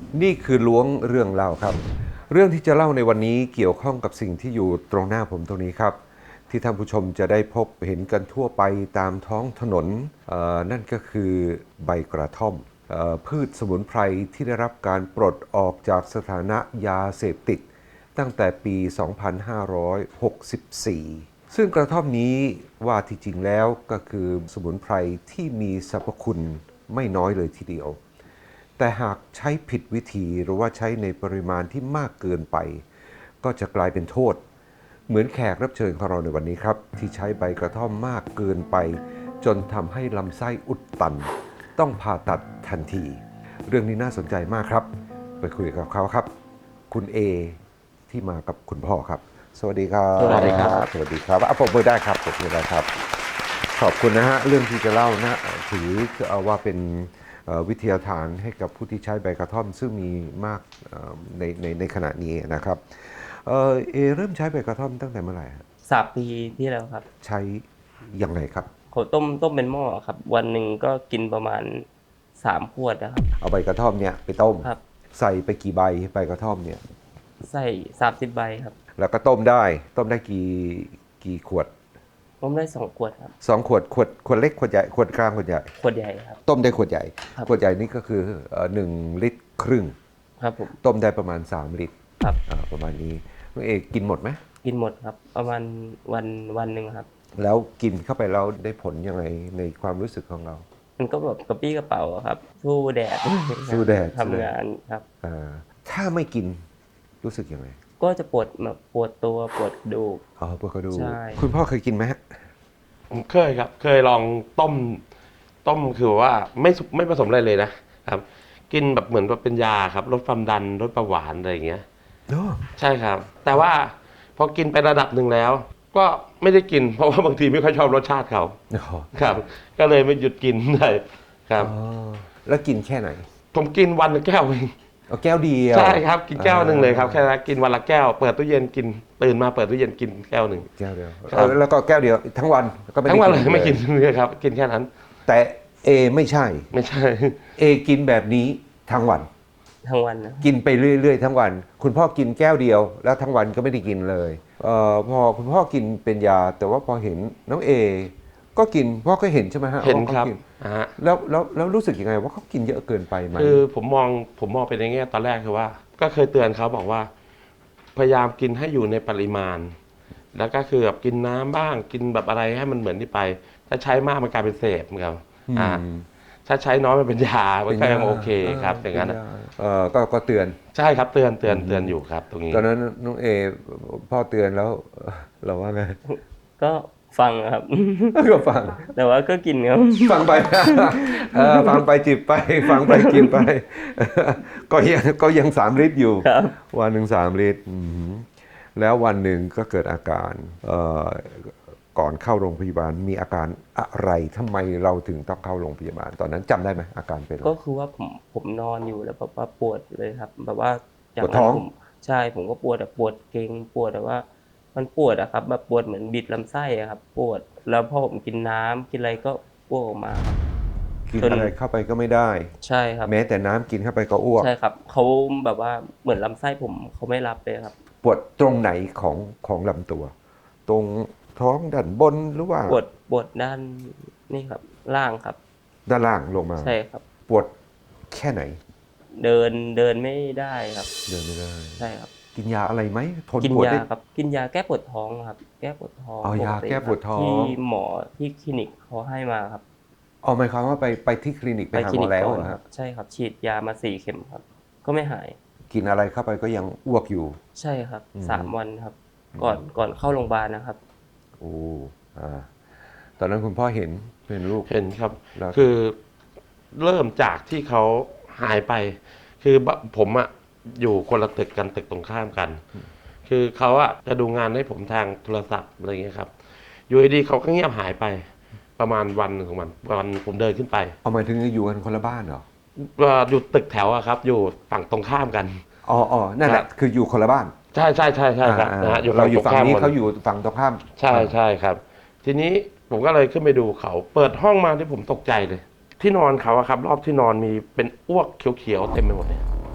นี่คือล้วงเรื่องเล่าครับเรื่องที่จะเล่าในวันนี้เกี่ยวข้องกับสิ่งที่อยู่ตรงหน้าผมตรงนี้ครับที่ท่านผู้ชมจะได้พบเห็นกันทั่วไปตามท้องถนนนั่นก็คือใบกระท่อมพืชสมุนไพรที่ได้รับการปลดออกจากสถานะยาเสพติดตั้งแต่ปี 2564 ซึ่งกระท่อมนี้ว่าที่จริงแล้วก็คือสมุนไพรที่มีสรรพคุณไม่น้อยเลยทีเดียวแต่หากใช้ผิดวิธีหรือว่าใช้ในปริมาณที่มากเกินไปก็จะกลายเป็นโทษเหมือนแขกรับเชิญของเราในวันนี้ครับที่ใช้ใบกระท่อมมากเกินไปจนทำให้ลำไส้อุดตันต้องผ่าตัดทันทีเรื่องนี้น่าสนใจมากครับไปคุยกับเขาครับคุณเอที่มากับคุณพ่อครับสวัสดีครับสวัสดีครับสวัสดีครับปรบมือได้ครับปรบมือได้ครับขอบคุณนะฮะเรื่องที่จะเล่านะถือว่าเป็นวิทยาทานให้กับผู้ที่ใช้ใบกระท่อมซึ่งมีมากในขณะนี้นะครับเริ่มใช้ใบกระท่อมตั้งแต่เมื่อไหร่ 3 ปีที่แล้วครับใช้ยังไงครับเขาต้มเป็นหม้อครับวันหนึ่งก็กินประมาณ3 ขวดนะครับเอาใบกระท่อมเนี่ยไปต้มครับใส่ไปกี่ใบใบกระท่อมเนี่ยใส่30 ใบครับแล้วก็ต้มได้กี่ขวดต้มได้2 ขวดครับ 2 ขวดเล็กขวดใหญ่ขวดกลางขวดใหญ่ขวดใหญ่ครับต้มได้ขวดใหญ่ครับขวดใหญ่นี่ก็คือ1 ลิตรครึ่งครับผมต้มได้ประมาณ3 ลิตรครับประมาณนี้น้องเอกกินหมดไหมกินหมดครับประมาณวันหนึ่งครับแล้วกินเข้าไปแล้วได้ผลยังไงในความรู้สึกของเรามันก็แบบกระปี้กระเป๋าครับสู้แดดสู้แดดทำงานครับถ้าไม่กินรู้สึกยังไงก็จะปวดตัวปวดกระดูกปวดกระดูกใช่คุณพ่อเคยกินไหมฮะผมเคยครับเคยลองต้มคือว่าไม่ผสมอะไรเลยนะครับกินแบบเหมือนว่าเป็นยาครับลดความดันลดเบาหวานอะไรอย่างเงี้ยใช่ครับแต่ว่าพอกินไประดับหนึ่งแล้ว ก็ไม่ได้กินเพราะว่าบางทีไม่ค่อยชอบรสชาติเขาครับก็เลยไม่หยุดกินเลยครับแล้วกินแค่ไหนผมกินวันละแก้วเองแก้วเดียวใช่ครับกินแก้วหนึ่งเลยครับแค่นั้นกินวันละแก้วเปิดตู้เย็นกินตื่นมาเปิดตู้เย็นกินแก้วหนึ่งแก้วเดียวแล้วก็แก้วเดียวทั้งวันก็ไม่ได้ทั้งวันกินเลยไม่กินเลยครับกินแค่นั้นแต่ไม่ใช่กินแบบนี้ทั้งวันนะกินไปเรื่อยๆทั้งวันคุณพ่อกินแก้วเดียวแล้วทั้งวันก็ไม่ได้กินเลยพอคุณพ่อกินเป็นยาแต่ว่าพอเห็นน้องก็กินพ่อก็เห็นใช่ไหมฮะเห็นครับแล้วรู้สึกยังไงว่าเขากินเยอะเกินไปไหมคือผมมองไปในแง่ตอนแรกคือว่าก็เคยเตือนเขาบอกว่าพยายามกินให้อยู่ในปริมาณแล้วก็คือแบบกินน้ำบ้างกินแบบอะไรให้มันเหมือนที่ไปถ้าใช้มากมันกลายเป็นเสพครับถ้าใช้น้อยมันเป็นยามันก็ยังโอเคครับอย่างนั้นก็เตือนใช่ครับเตือนอยู่ครับตรงนี้ตอนนั้นน้องพ่อเตือนแล้วเราว่าไงก็ฟังครับก็ฟังแต่ว่าก็กินครับฟังไปฟังไปจิบไปฟังไปกินไปก็ยัง3 ลิตรอยู่วันหนึ่ง3 ลิตรแล้ววันหนึ่งก็เกิดอาการก่อนเข้าโรงพยาบาลมีอาการอะไรทำไมเราถึงต้องเข้าโรงพยาบาลตอนนั้นจำได้ไหมอาการเป็นก็คือว่าผมนอนอยู่แล้วแบบว่าปวดเลยครับแบบว่าปวดท้องใช่ผมก็ปวดแบบปวดเกร็งปวดแบบว่ามันปวดอะครับแบบปวดเหมือนบิดลำไส้อะครับปวดแล้วพอผมกินน้ำกินอะไรก็อ้วกออกมากินอะไรเข้าไปก็ไม่ได้ใช่ครับแม้แต่น้ำกินเข้าไปก็อ้วกใช่ครับเขาแบบว่าเหมือนลำไส้ผมเขาไม่รับเลยครับปวดตรงไหนของลำตัวตรงท้องด้านบนหรือว่าปวดด้านนี่ครับล่างครับด้านล่างลงมาใช่ครับปวดแค่ไหนเดินไม่ได้ครับเดินไม่ได้ใช่ครับกินยาอะไรไหมทนกินปวดยาครับกินยาแก้ปวดท้องครับแก้ปวดท้องยาแก้ปวดท้องที่หมอที่คลินิกเขาให้มาครับหมายความว่าไปที่คลินิกไปหาหมอแล้วเหรอครับใช่ครับฉีดยามา4 เข็มครับก็ไม่หายกินอะไรเข้าไปก็ยังอ้วกอยู่ใช่ครับ3 วันครับก่อนเข้าโรงพยาบาลนะครับตอนนั้นคุณพ่อเห็นลูกเห็นครับคือเริ่มจากที่เขาหายไปคือผมอยู่คนละตึกกันตึกตรงข้ามกันคือเขาจะดูงานให้ผมทางโทรศัพท์อะไรเงี้ยครับอยู่ดีเขาก็เงียบหายไปประมาณวันของวันผมเดินขึ้นไปหมายถึงอยู่กันคนละบ้านเหรออยู่ตึกแถวครับอยู่ฝั่งตรงข้ามกันนั่นแหละคืออยู่คนละบ้านใช่ครับเราอยู่ฝั่งนี้เขาอยู่ฝั่งตรงข้ามใช่ครับทีนี้ผมก็เลยขึ้นไปดูเขาเปิดห้องมาที่ผมตกใจเลยที่นอนเขาครับรอบที่นอนมีเป็นอ้วกเขียวๆเต็มไปหมดเลย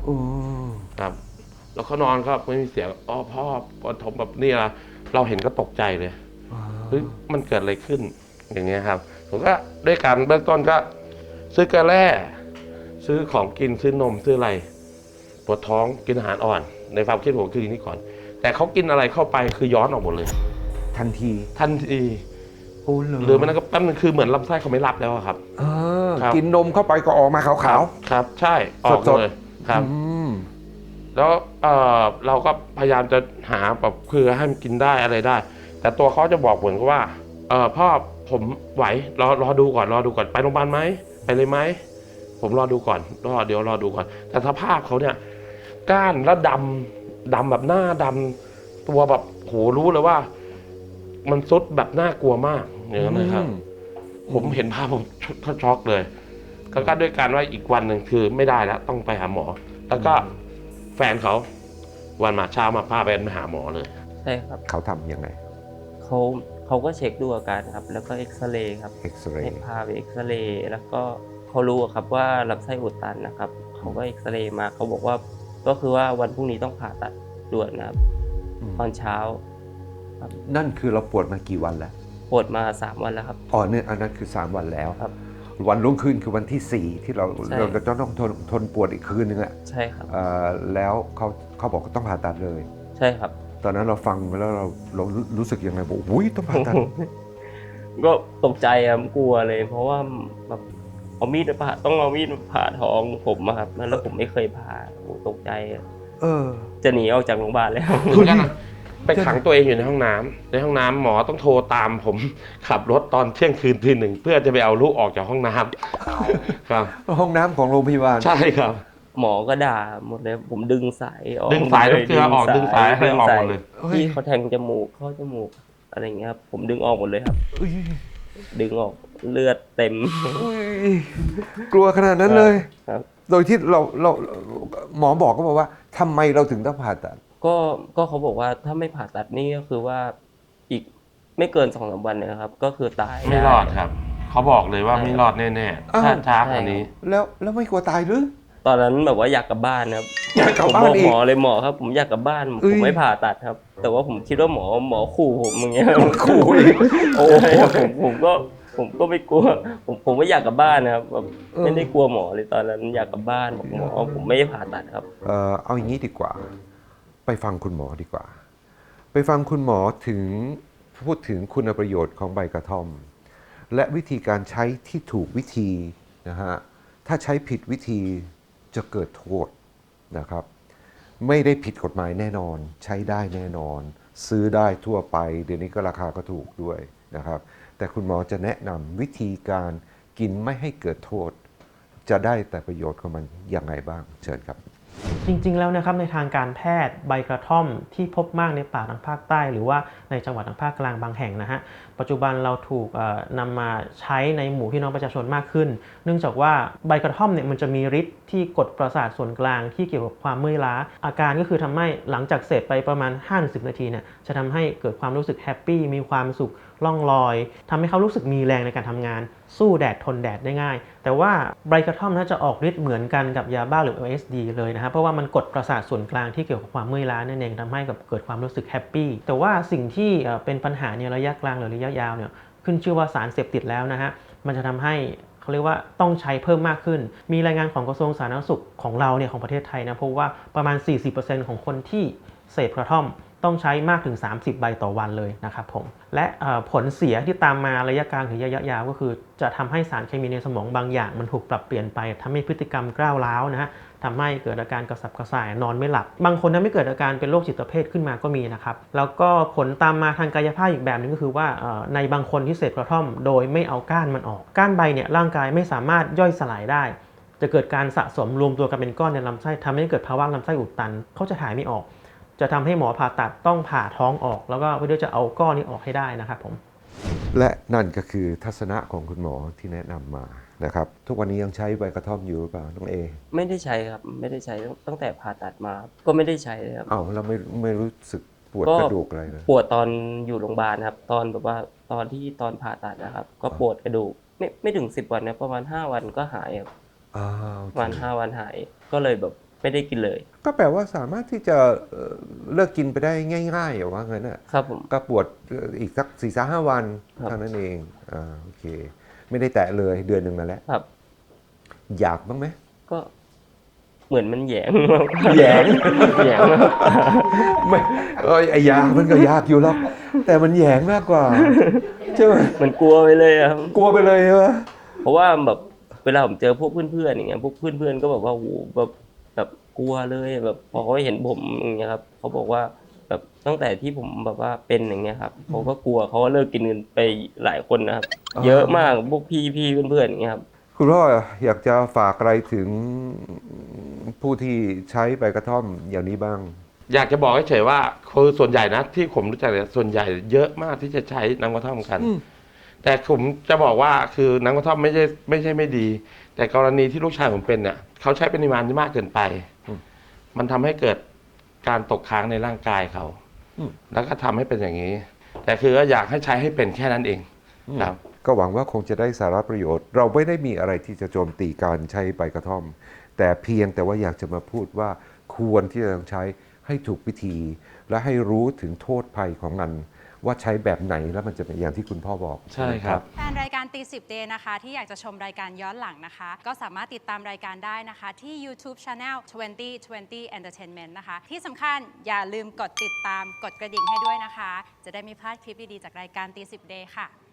โอ้ครับ แล้วเขานอนก็ไม่มีเสียงอ๋อพ่อปฐมแบบนี่ละเราเห็นก็ตกใจเลยเฮ้ยมันเกิดอะไรขึ้นอย่างเงี้ยครับผมก็ด้วยการเบื้องต้นก็ซื้อเกลือแร่ซื้อของกินซื้อนมซื้ออะไรปวดท้องกินอาหารอ่อน ในความคิดผมคืออย่างนี้ก่อน แต่เขากินอะไรเข้าไปคือย้อนออกหมดเลยทันทีทันทีโอ้เลยหรือมันก็แป๊บนึงคือเหมือนลำไส้เขาไม่รับแล้วอะครับ ครับกินนมเข้าไปก็ออกมาขาวครับ ใช่ออกสดๆเลยครับมแล้วเราก็พยายามจะหาแบบคือให้มันกินได้อะไรได้ แต่ตัวเขาจะบอกเหมือนกับว่าพ่อผมไหวรอดูก่อนไปโรงพยาบาลไหมไปเลยไหมผมรอดูก่อนเดี๋ยวรอดูก่อน แต่สภาพเขาเนี่ยก้านแล้วดำแบบหน้าดำตัวแบบโหรู้เลยว่า มันซุดแบบน่ากลัวมากอย่างนั้นนะครับ ผมเห็นภาพผมช็อกเลยแล้วก็ด้วยการว่าอีกวันหนึ่งคือไม่ได้แล้วต้องไปหาหมอ แล้วก็แฟนเขาวันมาเช้ามาพาไปหาหมอเลยใช่ครับเขาทำยังไงเขาก็เช็คดูอาการครับ แล้วก็เอ็กซเรย์ครับเอ็กซเรให้ย์พาไปเอ็กซเรย์แล้วก็เขารู้อะครับว่าลำไส้อุดตันนะครับเขาก็เอ็กซเรย์มาเขาบอกว่าก็คือว่าวันพรุ่งนี้ต้องผ่าตัดด่วนนะครับตอนเช้านั่นคือเราปวดมากี่วันแล้วปวดมา3 วันแล้วครับอ๋อเนี่ยอันนั้นคือ 3 วันแล้วครับวันรุ่งขึ้นคือวันที่ 4 ที่เราใช่จะต้องทนปวดอีกคืนนึงอะใช่ครับแล้วเขาบอกว่าต้องผ่าตัดเลยใช่ครับตอนนั้นเราฟังแล้วเรารู้สึกยังไงบอกอุ้ยต้องผ่าตัดก็ตกใจครับกลัวเลย เพราะว่าแบบเอามีดมาผ่าต้องเอามีดมาผ่าท้องผมอะครับแล้วผมไม่เคยผ่าโอ้ตกใจอะเออจะหนีออกจากโรงพยาบาลแล้วเหมือนกันนะไปขังตัวเองอยู่ในห้องน้ำในห้องน้ำหมอต้องโทรตามผม ขับรถตอนเที่ยงคืนตี 1เพื่อจะไปเอาลูกออกจากห้องน้ำครับห้องน้ำของโรงพยาบาลใช่ครับหมอก็ด่าหมดเลยผมดึงสายออกดึงสายน้ำเกลือออกดึงสายให้ออกหมดเลยที่เขาแทงจมูกเข้าจมูกอะไรอย่างเงี้ยครับผมดึงออกหมดเลยครับอุ๊ยดึงออกเลือดเต็มอุ๊ยกลัวขนาดนั้นเลยครับโดยที่เราหมอบอกก็บอกว่าทำไมเราถึงต้องผ่าตัดก็เขาบอกว่าถ้าไม่ผ่าตัดนี่ก็คือว่าอีกไม่เกิน2-3 วันเนี่ยนะครับ ก็คือตายไม่รอดครับ เขาบอกเลยว่าไม่รอดแน่ๆถ้าช้ากว่านี้แล้วไม่กลัวตายหรือตอนนั้นแบบว่าอยากกลับบ้านครับอยากกลับผมบ้าบนอกอีหกมอเลยหมอครับ ผมอยากกลับบ้านเอ้ผยมไม่ผ่าตัดครับ แต่ว่าผมคิดว่าหมอขู่ผมอย่างเงี้ยขู่อีกโอ้ผมก็ไม่กลัวผมไม่อยากกลับบ้านนะครับแบบไม่ได้กลัวหมอเลยตอนนั้นอยากกลับบ้านบอกหมอผมไม่ได้ผ่าตัดครับเอาอย่างนี้ดีกว่า ไปฟังคุณหมอดีกว่า ไปฟังคุณหมอถึงพูดถึงคุณประโยชน์ของใบกระท่อม และวิธีการใช้ที่ถูกวิธีนะฮะถ้าใช้ผิดวิธีจะเกิดโทษนะครับ ไม่ได้ผิดกฎหมายแน่นอน ใช้ได้แน่นอน ซื้อได้ทั่วไป เดี๋ยวนี้ก็ราคาก็ถูกด้วยนะครับ แต่คุณหมอจะแนะนำวิธีการกินไม่ให้เกิดโทษ จะได้แต่ประโยชน์ของมันอย่างไรบ้างเชิญครับจริงๆ แล้วนะครับในทางการแพทย์ใบกระท่อมที่พบมากในป่าทางภาคใต้ หรือว่าในจังหวัดทางภาคกลางบางแห่งนะฮะปัจจุบันเราถูกนำมาใช้ในหมู่พี่น้องประชาชนมากขึ้น เนื่องจากว่าใบกระท่อมเนี่ยมันจะมีฤทธิ์ที่กดประสาทส่วนกลางที่เกี่ยวกับความเมื่อยล้าอาการก็คือทำให้หลังจากเสร็จไปประมาณ 5-10 นาทีเนี่ยจะทำให้เกิดความรู้สึกแฮปปี้มีความสุขล่องลอยทำให้เขารู้สึกมีแรงในการทำงานสู้แดดทนแดดได้ง่าย แต่ว่าใบกระท่อมน่าจะออกฤทธิ์เหมือนกันกับยาบ้าหรือ LSD เลยนะครับเพราะว่ามันกดประสาทส่วนกลางที่เกี่ยวกับความเมื่อยล้านั่นเองทำให้เกิดความรู้สึกแฮปปี้แต่ว่าสิ่งที่เป็นปัญหาในระยะกลางหรือระยะยาวเนี่ยขึ้นชื่อว่าสารเสพติดแล้วนะฮะมันจะทำให้เขาเรียกว่าต้องใช้เพิ่มมากขึ้นมีรายงานของกระทรวงสาธารณสุขของเราเนี่ยของประเทศไทยนะพบว่าประมาณ 40% ของคนที่เสพกระท่อมต้องใช้มากถึง30 ใบต่อวันเลยนะครับผมและผลเสียที่ตามมาระยะกลางถึงระยะยาวก็คือจะทำให้สารเคมีในสมองบางอย่างมันถูกปรับเปลี่ยนไปทำให้พฤติกรรมก้าวร้าวนะฮะทำให้เกิดอาการกระสับกระส่ายนอนไม่หลับบางคนนั้นไม่เกิดอาการเป็นโรคจิตเภทขึ้นมาก็มีนะครับแล้วก็ผลตามมาทางกายภาพอีกแบบนึงก็คือว่าในบางคนที่เสพกระท่อมโดยไม่เอาก้านมันออกก้านใบเนี่ยร่างกายไม่สามารถย่อยสลายได้จะเกิดการสะสมรวมตัวกันเป็นก้อนในลำไส้ทำให้เกิดภาวะลำไส้อุดตันเขาจะถ่ายไม่ออกจะทำให้หมอผ่าตัดต้องผ่าท้องออกแล้วก็เพื่อจะเอาก้อนนี้ออกให้ได้นะครับผมและนั่นก็คือทัศนะของคุณหมอที่แนะนำมานะครับทุกวันนี้ยังใช้ใบกระท่อมอยู่หรือเปล่าน้องเอไม่ได้ใช้ครับไม่ได้ใช้ตั้งแต่ผ่าตัดมาก็ไม่ได้ใช้เลยครับอ้าวเราไม่รู้สึกปวดก็กระดูกอะไรเลยปวดตอนอยู่โรงพยาบาลครับตอนแบบว่าตอนผ่าตัดนะครับก็ปวดกระดูกไม่ถึง10 วันนะประมาณ5 วันก็หายครับอ้าวประมาณ5 วันหายก็เลยแบบไม่ได้กินเลยก็แปลว่าสามารถที่จะเลิกกินไปได้ง่ายๆว่างั้นอ่ะครับผมก็ปวดอีกสัก4-5 วันครับเท่านั้นเองโอเค ไม่ได้แตะเลยเดือนหนึ่งมาแล้วครับอยากบ้างไหมก็เหมือนมันแหยงแหยงแหยงมากไม่ไอ้ยามันก็ยากอยู่หรอกแต่มันแหยงมากกว่าใช่ไหมมันกลัวไปเลยอะครับกลัวไปเลยใช่ไหมเพราะว่าแบบเวลาผมเจอพวกเพื่อนๆอย่างเงี้ยพวกเพื่อนๆก็แบบว่าโหแบบกลัวเลยแบบพอเขาเห็นผมอย่างเงี้ยครับเขาบอกว่าแบบตั้งแต่ที่ผมแบบว่าเป็นอย่างเงี้ยครับเขาก็กลัวเขาก็เลิกกินกันไปหลายคนนะครับ เยอะมากพวกพี่เพื่อนๆอย่างเงี้ยครับคุณพ่ออยากจะฝากอะไรถึงผู้ที่ใช้ใบกระท่อมอย่างนี้บ้างอยากจะบอกเฉยๆว่าคือส่วนใหญ่นะที่ผมรู้จักเนี่ยส่วนใหญ่เยอะมากที่จะใช้น้ำกระท่อมกัน แต่ผมจะบอกว่าคือน้ำกระท่อมไม่ใช่ไม่ดี แต่กรณีที่ลูกชายผมเป็นเนี่ยเขาใช้ปริมาณที่มากเกินไป มันทำให้เกิดการตกค้างในร่างกายเขา แล้วก็ทำให้เป็นอย่างนี้ แต่คือก็อยากให้ใช้ให้เป็นแค่นั้นเองครับก็หวังว่าคงจะได้สาระประโยชน์ เราไม่ได้มีอะไรที่จะโจมตีการใช้ใบกระท่อม แต่เพียงแต่ว่าอยากจะมาพูดว่าควรที่จะต้องใช้ให้ถูกวิธี และให้รู้ถึงโทษภัยของมัน ว่าใช้แบบไหนแล้วมันจะเป็นอย่างที่คุณพ่อบอกใช่ครับแฟนรายการตีสิบเดย์นะคะที่อยากจะชมรายการย้อนหลังนะคะ ก็สามารถติดตามรายการได้นะคะที่ YouTube Channel 2020 Entertainment นะคะ ที่สำคัญอย่าลืมกดติดตามกดกระดิ่งให้ด้วยนะคะ จะได้ไม่พลาดคลิปดีๆจากรายการตีสิบเดย์ค่ะ